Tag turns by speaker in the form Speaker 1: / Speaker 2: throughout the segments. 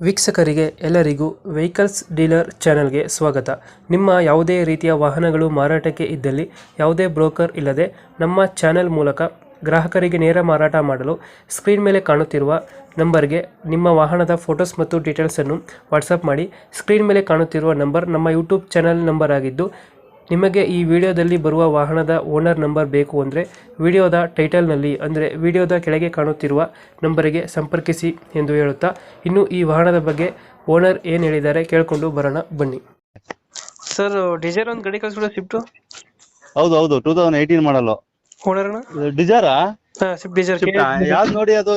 Speaker 1: ವೀಕ್ಷಕರಿಗೆ ಎಲ್ಲರಿಗೂ vehicles dealer ಚಾನೆಲ್ಗೆ ಸ್ವಾಗತ. ನಿಮ್ಮ ಯಾವುದೇ ರೀತಿಯ ವಾಹನಗಳು ಮಾರಾಟಕ್ಕೆ ಇದ್ದಲ್ಲಿ ಯಾವುದೇ ಬ್ರೋಕರ್ ಇಲ್ಲದೆ ನಮ್ಮ ಚಾನೆಲ್ ಮೂಲಕ ಗ್ರಾಹಕರಿಗೆ ನೇರ ಮಾರಾಟ ಮಾಡಲು ಸ್ಕ್ರೀನ್ ಮೇಲೆ ಕಾಣುತ್ತಿರುವ ನಂಬರ್ಗೆ ನಿಮ್ಮ ವಾಹನದ ಫೋಟೋಸ್ ಮತ್ತು ಡೀಟೇಲ್ಸನ್ನು ವಾಟ್ಸಪ್ ಮಾಡಿ. ಸ್ಕ್ರೀನ್ ಮೇಲೆ ಕಾಣುತ್ತಿರುವ ನಂಬರ್ ನಮ್ಮ ಯೂಟ್ಯೂಬ್ ಚಾನೆಲ್ ನಂಬರ್ ಆಗಿದ್ದು, ನಿಮಗೆ ಈ ವಿಡಿಯೋದಲ್ಲಿ ಬರುವ ವಾಹನದ ಓನರ್ ನಂಬರ್ ಬೇಕು ಅಂದರೆ ವಿಡಿಯೋದ ಟೈಟಲ್ನಲ್ಲಿ ಅಂದರೆ ವಿಡಿಯೋದ ಕೆಳಗೆ ಕಾಣುತ್ತಿರುವ ನಂಬರಿಗೆ ಸಂಪರ್ಕಿಸಿ ಎಂದು ಹೇಳುತ್ತಾ, ಇನ್ನು ಈ ವಾಹನದ ಬಗ್ಗೆ ಓನರ್ ಏನು ಹೇಳಿದ್ದಾರೆ ಕೇಳಿಕೊಂಡು ಬರೋಣ ಬನ್ನಿ. ಸರ್, ಡಿಸೈರ್ ಒಂದು ಗಾಡಿ ಕಳಿಸ್ಬಿಡ ಸ್ವಿಫ್ಟು.
Speaker 2: ಹೌದು ಹೌದು 2018 ಮಾಡಲು
Speaker 1: ಓನರ್ನ
Speaker 2: ಡಿಸೈರಾ
Speaker 1: ಸ್ವಿಫ್ಟ್ ಡಿಸೈರ್
Speaker 2: ಯಾವ್ದು ನೋಡಿ ಅದು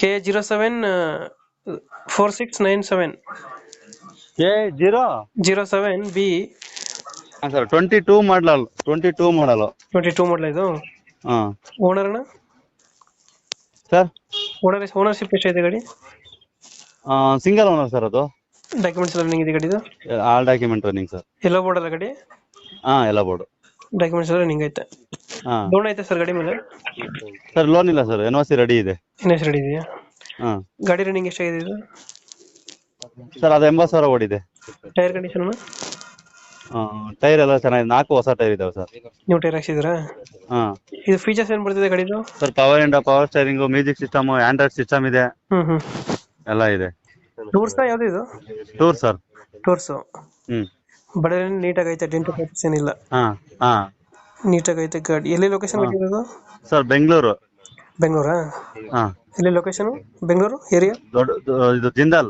Speaker 1: K074697
Speaker 2: K0
Speaker 1: 07B
Speaker 2: ಸರ್ 22 ಮಾಡಲ್ 22
Speaker 1: ಮಾಡಲ ಇದು.
Speaker 2: ಹಾ
Speaker 1: ಓನರ್ನ
Speaker 2: ಸರ್
Speaker 1: ಓನರ್ಶಿಪ್ ಎಷ್ಟಿದೆ ಗಾಡಿ?
Speaker 2: Single owner sir. ಅದು
Speaker 1: ಡಾಕ್ಯುಮೆಂಟ್ಸ್ ಎಲ್ಲ ರನ್ನಿಂಗ್ ಇದೆ ಗಾಡಿದು?
Speaker 2: All document running sir.
Speaker 1: ಎಲ್ಲ ಬೋರ್ಡ್ ಅಲ್ಲ ಗಾಡಿ?
Speaker 2: ಎಲ್ಲ ಬೋರ್ಡ್
Speaker 1: ಡಾಕ್ಯುಮೆಂಟ್ಸ್ ಎಲ್ಲ ರನ್ನಿಂಗ್ ಐತೆ. ಲೋನ್ ಐತೆ ಸರ್ ಗಾಡಿ ಮೇಲೆ?
Speaker 2: ಸರ್ ಲೋನ್ ಇಲ್ಲ ಸರ್, NOC ರೆಡಿ ಇದೆ.
Speaker 1: NOC ರೆಡಿ ಇದೆಯಾ? ಗಾಡಿ ರನ್ನಿಂಗ್ ಎಷ್ಟಾಗಿದೆ ಇದು?
Speaker 2: ಸರ್ ಅದು 80,000 ಓಡಿದೆ.
Speaker 1: Tyre condition?
Speaker 2: ಟೈರ್ ಎಲ್ಲ ಚೆನ್ನಾಗಿದೆ, 4 ಹೊಸ ಟೈರ್ ಇದಾವೆ ಸರ್.
Speaker 1: ನೀವು ಟೈರ್ ಹಾಕ್ಸಿದ್ರಾ? ಇದು ಫೀಚರ್ಸ್ ಏನ್ ಬರ್ತದೆ ಗಾಡಿದು?
Speaker 2: Sir power steering, music system, android system ಇದೆ, ಎಲ್ಲ ಇದೆ.
Speaker 1: ಟೂರ್ಸ್ ಯಾವ್ದು ಇದು?
Speaker 2: Tour sir.
Speaker 1: ಟೂರ್ಸ್ ಬಡ ನೀಟಾಗಿ ಐತೆ, ಡೆಂಟ್ ಪೇಪರ್ಸ್ ಏನಿಲ್ಲ, ನೀಟಾಗಿ ಐತೆ ಗಾಡಿ. ಎಲ್ಲಿ ಲೊಕೇಶನ್ ಆಗಿರೋದು
Speaker 2: ಸರ್? ಬೆಂಗಳೂರಾ?
Speaker 1: ಎಲ್ಲಿ ಲೊಕೇಶನ್? ಬೆಂಗಳೂರು ಏರಿಯಾ?
Speaker 2: ಇದು Jindal.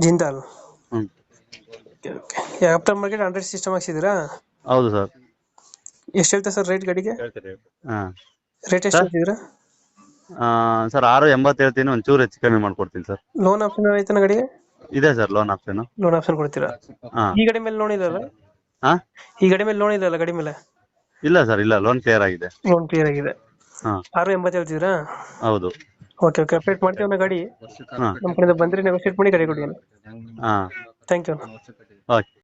Speaker 1: After market android system ಹಾಕ್ಸಿದ್ದೀರಾ?
Speaker 2: ಹೌದು ಸರ್.
Speaker 1: ಎಷ್ಟು ಹೇಳ್ತಾ ಸರ್ ರೇಟ್ ಗಾಡಿಗೆ? ರೇಟ್ ಎಷ್ಟು ಹೇಳ್ತಿದ್ದೀರಾ
Speaker 2: ಸರ್? 680 ಹೇಳ್ತೀನಿ, ಒಂಚೂರು ಹೆಚ್ಚು ಕಮ್ಮಿ ಮಾಡ್ಕೊಡ್ತೀನಿ ಸರ್.
Speaker 1: ಲೋನ್ ಆಪ್ಷನ್ ಐತನ ಗಾಡಿಗೆ?
Speaker 2: ಇದೆ sir loan option.
Speaker 1: Loan option ಕೊಡ್ತೀರಾ? ಈ ಗಾಡಿ ಮೇಲೆ ಲೋನ್ ಇಲ್ಲಲ್ಲ? ಈ ಗಾಡಿ ಮೇಲೆ ಲೋನ್ ಇಲ್ಲಲ್ಲ ಗಾಡಿ ಮೇಲೆ?
Speaker 2: ಇಲ್ಲ ಸರ್, ಇಲ್ಲ, ಲೋನ್ ಕ್ಲಿಯರ್ ಆಗಿದೆ.
Speaker 1: ಲೋನ್ ಕ್ಲಿಯರ್ ಆಗಿದೆ. 680 ಹೇಳ್ತಿದ್ದೀರಾ?
Speaker 2: ಹೌದು.
Speaker 1: ಓಕೆ ಅಪ್ಡೇಟ್ ಮಾಡ್ತೀವಿ ಗಾಡಿ. ನಮ್ಮ ಕಡೆಯಿಂದ ಬಂದ್ರೆ ನೆಗೋಶಿಯೇಟ್ ಮಾಡಿ ಗಾಡಿ ಕೊಡಿ. Thank you.
Speaker 2: ಓಕೆ.